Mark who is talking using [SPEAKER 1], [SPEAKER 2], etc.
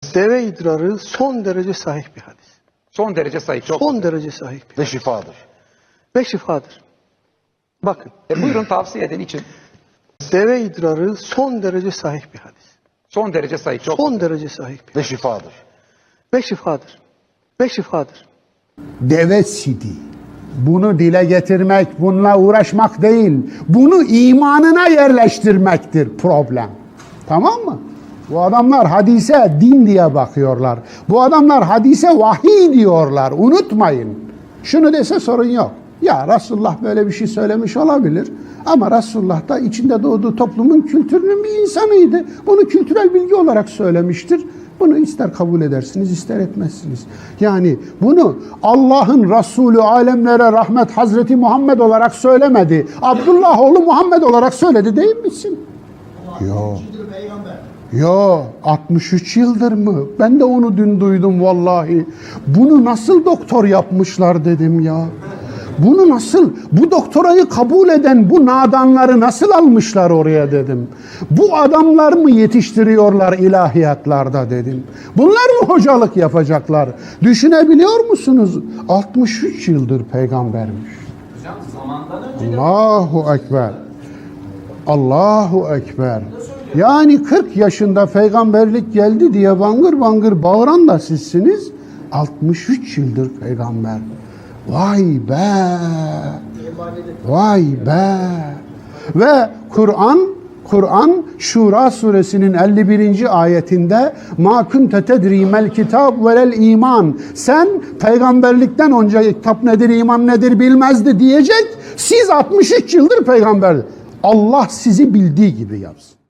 [SPEAKER 1] Deve idrarı son derece sahih bir hadis.
[SPEAKER 2] Son derece sahih. Çok.
[SPEAKER 1] Son derece sahih bir
[SPEAKER 3] Ve
[SPEAKER 1] hadis.
[SPEAKER 3] şifadır.
[SPEAKER 1] Ve şifadır. Bakın.
[SPEAKER 2] Buyurun tavsiye edin için.
[SPEAKER 1] Deve idrarı son derece sahih bir hadis.
[SPEAKER 2] Son derece sahih. Çok.
[SPEAKER 1] Son derece sahih bir
[SPEAKER 3] Ve
[SPEAKER 1] hadis.
[SPEAKER 3] şifadır.
[SPEAKER 1] Ve şifadır. Ve şifadır.
[SPEAKER 4] Deve sidi. Bunu dile getirmek, bununla uğraşmak değil. Bunu imanına yerleştirmektir problem. Tamam mı? Bu adamlar hadise din diye bakıyorlar. Bu adamlar hadise vahiy diyorlar. Unutmayın. Şunu dese sorun yok. Ya Resulullah böyle bir şey söylemiş olabilir. Ama Resulullah da içinde doğduğu toplumun kültürünün bir insanıydı. Bunu kültürel bilgi olarak söylemiştir. Bunu ister kabul edersiniz, ister etmezsiniz. Yani bunu Allah'ın Resulü alemlere rahmet Hazreti Muhammed olarak söylemedi. Abdullah oğlu Muhammed olarak söyledi değil misin? Yok. Yo 63 yıldır mı? Ben de onu dün duydum vallahi. Bunu nasıl doktor yapmışlar dedim ya. Bunu nasıl, bu doktorayı kabul eden bu nadanları nasıl almışlar oraya dedim. Bu adamlar mı yetiştiriyorlar ilahiyatlarda dedim. Bunlar mı hocalık yapacaklar? Düşünebiliyor musunuz? 63 yıldır peygambermiş. Allahu Ekber. Allahu Ekber. Yani 40 yaşında peygamberlik geldi diye bangır bangır bağıran da sizsiniz. 63 yıldır peygamber. Vay be! Vay be! Ve Kur'an Şura suresinin 51. ayetinde ma kunte tedrimel kitab velel iman. Sen peygamberlikten önce kitap nedir, iman nedir bilmezdi diyecek. Siz 63 yıldır peygamber. Allah sizi bildiği gibi yapsın.